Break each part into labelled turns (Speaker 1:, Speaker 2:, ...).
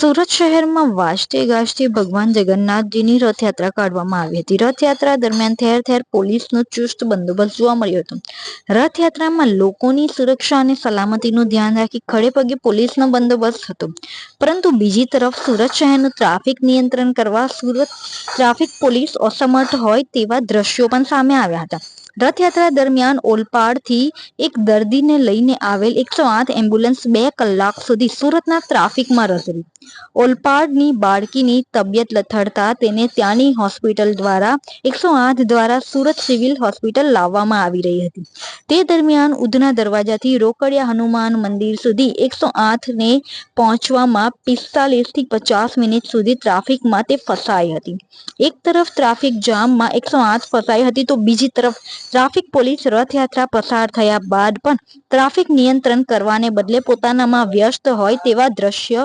Speaker 1: સુરત શહેરમાં વાજતે ગાજતે ભગવાન જગન્નાથજીની રથયાત્રા કાઢવામાં આવી હતી। રથયાત્રા દરમિયાન ઠેર ઠેર પોલીસનો ચુસ્ત બંદોબસ્ત જોવા મળ્યો હતો। રથયાત્રામાં લોકોની સુરક્ષા અને સલામતીનું ધ્યાન રાખી ખડેપગે પોલીસનો બંદોબસ્ત હતો। પરંતુ બીજી તરફ સુરત શહેરનું ટ્રાફિક નિયંત્રણ કરવા સુરત ટ્રાફિક પોલીસ અસમર્થ હોય તેવા દ્રશ્યો પણ સામે આવ્યા હતા। રથયાત્રા દરમિયાન ઓલપાડથી એક દર્દીને લઈને આવેલ 108 એમ્બ્યુલન્સ 2 કલાક સુધી સુરતના ટ્રાફિકમાં રઝળી। ઓલપાડની બાળકીની તબિયત લથડતા તેને ત્યાંની હોસ્પિટલ દ્વારા 108 દ્વારા સુરત સિવિલ હોસ્પિટલ લાવવામાં આવી રહી હતી। તે દરમિયાન ઉધના દરવાજાથી રોકડિયા હનુમાન મંદિર સુધી 108 ને પહોંચવામાં 45 થી 50 મિનિટ સુધી ટ્રાફિકમાં તે ફસાઈ હતી। એક તરફ ટ્રાફિક જામમાં 108 ફસાઈ હતી તો બીજી તરફ ટ્રાફિક પોલીસ રથયાત્રા પસાર થયા બાદ પણ ટ્રાફિક નિયંત્રણ કરવાને બદલે પોતાનામાં વ્યસ્ત હોય તેવા દ્રશ્ય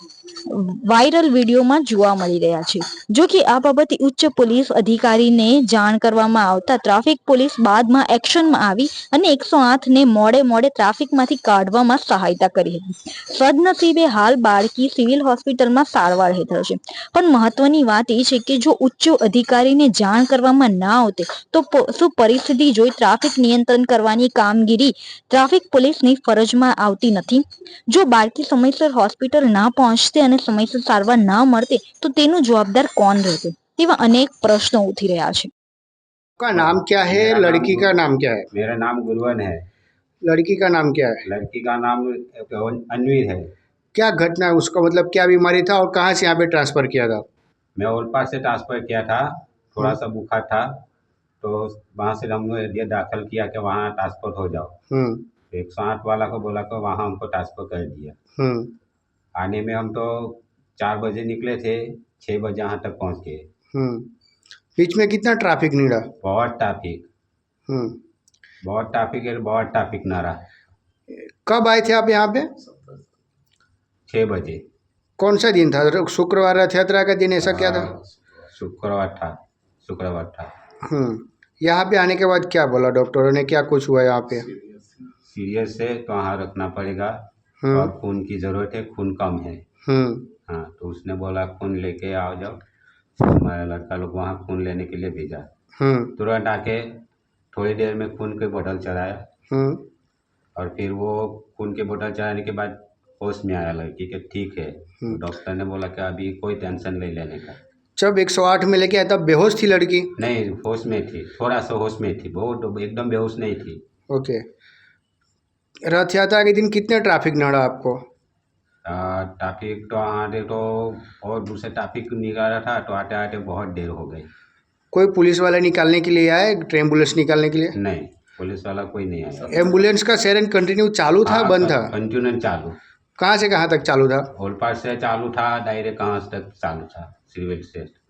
Speaker 1: વાયરલ વિડીયોમાં જોવા મળી રહ્યા છે। જો કે આ બાબતે ઉચ્ચ પોલીસ અધિકારીને જાણ કરવામાં આવતા ટ્રાફિક પોલીસ બાદમાં એક્શનમાં આવી અને 108 ને મોડે ટ્રાફિકમાંથી કાઢવામાં સહાયતા કરી હતી। સદનસીબે હાલ બાળકી સિવિલ હોસ્પિટલમાં સારવાર હેઠળ છે। પણ મહત્વની વાત એ છે કે જો ઉચ્ચ અધિકારીને જાણ કરવામાં ના આવતે તો શું પરિસ્થિતિ જોઈ ટ્રાફિક નિયંત્રણ કરવાની કામગીરી ટ્રાફિક પોલીસની ફરજમાં આવતી નથી? જો બાળકી સમયસર હોસ્પિટલ ના પહોંચતે અને સમયસર સારવાર ના મળતે તો તેનું जवाबदार कौन रहते? तेवा अनेक प्रश्न उठी रहा है।
Speaker 2: का नाम क्या है? लड़की का नाम क्या है?
Speaker 3: मेरा नाम गुरवन है।
Speaker 2: लड़की का नाम क्या है?
Speaker 3: लड़की का नाम अनवीर है।
Speaker 2: क्या घटना है, उसका मतलब क्या बीमारी था और कहाँ से यहाँ पे ट्रांसफर किया था?
Speaker 3: मैं ओलपाड से ट्रांसफ़र किया था। थोड़ा सा बुखार था तो वहाँ से हमने दाखिल किया कि वहाँ ट्रांसफ़र हो जाओ। 108 वाला को बोला तो वहाँ हमको ट्रांसफ़र कर दिया। आने में हम तो 4 बजे निकले थे, 6 बजे यहाँ तक पहुँच गए।
Speaker 2: बीच में कितना ट्रैफिक निकला?
Speaker 3: बहुत ट्रैफिक है, बहुत ट्रैफिक ना रहा।
Speaker 2: कब आए थे आप यहाँ पे?
Speaker 3: 6 बजे।
Speaker 2: कौन सा दिन था? शुक्रवार रथ यात्रा का दिन, ऐसा क्या था?
Speaker 3: शुक्रवार था।
Speaker 2: यहाँ पे आने के बाद क्या बोला डॉक्टरों ने, क्या कुछ हुआ यहाँ पे?
Speaker 3: सीरियस है तो वहाँ रखना पड़ेगा और खून की ज़रूरत है, खून कम है। हाँ, तो उसने बोला खून लेके आओ जाओ। हमारा लड़का लोग वहाँ खून लेने के लिए भेजा। तुरंत आके थोड़ी देर में खून की बोतल चढ़ाया और फिर वो खून की बोतल चढ़ाने के बाद होश में आया लड़की के, ठीक है। डॉक्टर ने बोला कि अभी कोई टेंशन नहीं लेने का।
Speaker 2: जब 108 में लेके आया तब बेहोश थी लड़की?
Speaker 3: नहीं, होश में थी, थोड़ा सा होश में थी, बहुत एकदम बेहोश नहीं थी।
Speaker 2: ओके। रथ यात्रा के दिन कितने ट्रैफिक नड़ा आपको?
Speaker 3: ट्रैफिक तो आते तो और दूसरे ट्रैफिक निकल रहा था तो आते आते बहुत देर हो गई।
Speaker 2: कोई पुलिस वाला निकालने के लिए आया? एम्बुलेंस निकालने के लिए?
Speaker 3: नहीं, पुलिस वाला कोई नहीं आया।
Speaker 2: एम्बुलेंस का सायरन कंटिन्यू चालू था? बंद था?
Speaker 3: कंटिन्यू चालू।
Speaker 2: कहाँ से कहाँ तक चालू था?
Speaker 3: ओलपाड से चालू था, डायरेक्ट कहाँ तक चालू था? सिविल से।